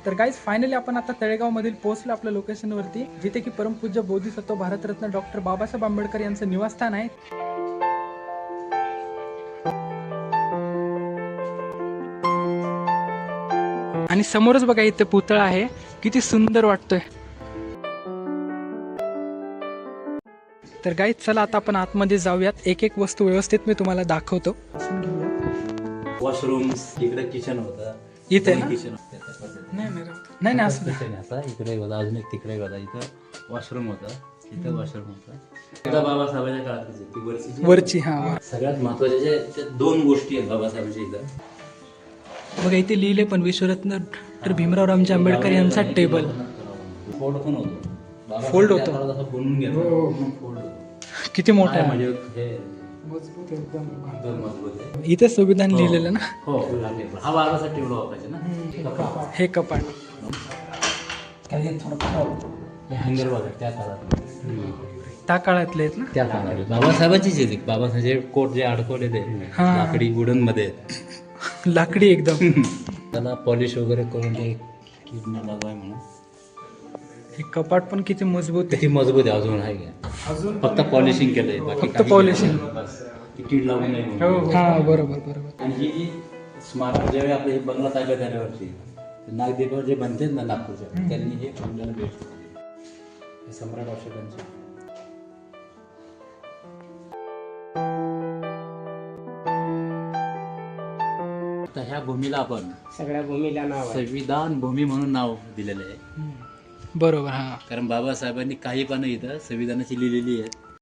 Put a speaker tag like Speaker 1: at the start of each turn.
Speaker 1: तर guys finally आपण आता तळेगाव मधील पोहोचलो आपल्या लोकेशनवरती, जिथे की परमपूज्य बोधिसत्व भारतरत्न डॉक्टर बाबासाहेब आंबेडकर यांचं निवासस्थान आहे. आणि समोरच बघा इथे पुतळा आहे, किती सुंदर वाटतोय. तर गाईज चला आता आपण आतमध्ये जाऊयात, एक एक वस्तू व्यवस्थित मी तुम्हाला दाखवतो.
Speaker 2: वॉशरूम इकडे किचन होतं,
Speaker 1: इथे ना?
Speaker 2: किचन
Speaker 1: नाही असं
Speaker 2: किचन असा इकडे होता, अजून एक तिकडे होता. इथं वॉशरूम होतं, इथं वॉशरूम होतं. एकदा बाबासाहेबांच्या काळातच आहे ती
Speaker 1: वरची. हा
Speaker 2: सगळ्यात महत्वाच्या ज्या दोन गोष्टी आहेत बाबासाहेबांच्या इथं.
Speaker 1: बघा इथे लिहिले पण विश्वरत्न डॉक्टर भीमराव रामजी आंबेडकर यांचा टेबल.
Speaker 2: फोल्ड पण होतो,
Speaker 1: फोल्ड होतो.
Speaker 2: असं बनवून घेतो, फोल्ड होतो.
Speaker 1: किती मोठा आहे
Speaker 2: म्हणजे हे एकदम मजबूत आहे.
Speaker 1: इथे संविधान लिहिलेलं ना.
Speaker 2: हो हा बाबासाठी टेबल वापरायचे ना.
Speaker 1: हे कपाट
Speaker 2: हे हँगर बघा त्या काळात,
Speaker 1: त्या काळातले आहेत ना.
Speaker 2: त्या काळात बाबासाहेबांचीच आहे. बाबासाहेब कोट जे अडकवले ते लाकडी वुडन मध्ये
Speaker 1: लाकडी एकदम.
Speaker 2: त्याला पॉलिश वगैरे करून ते किडनी लागवाय म्हणून.
Speaker 1: हे कपाट पण किती मजबूत आहे.
Speaker 2: किती मजबूत आहे अजून आहे का?
Speaker 1: अजून
Speaker 2: फक्त पॉलिशिंग केलंय, बाकी
Speaker 1: फक्त पॉलिशिंग.
Speaker 2: कीड लागू नये म्हणून.
Speaker 1: हा बरोबर.
Speaker 2: आणि ही जी स्मारक ज्यावेळी आपलं हे बंगला ताब्यात आल्यावरती नागदेवावर जे बनतात ना नागपूरच्या, त्यांनी हे बंगल्याला भेट दिली. हे सम्राट अशोकांचे. तर ह्या भूमीला आपण
Speaker 3: सगळ्या भूमीला नाव आहे.
Speaker 2: संविधान भूमी म्हणून नाव दिलेलं आहे.
Speaker 1: बरोबर. हा
Speaker 2: कारण बाबासाहेबांनी काही पानं इथं संविधानाची लिहिलेली आहेत.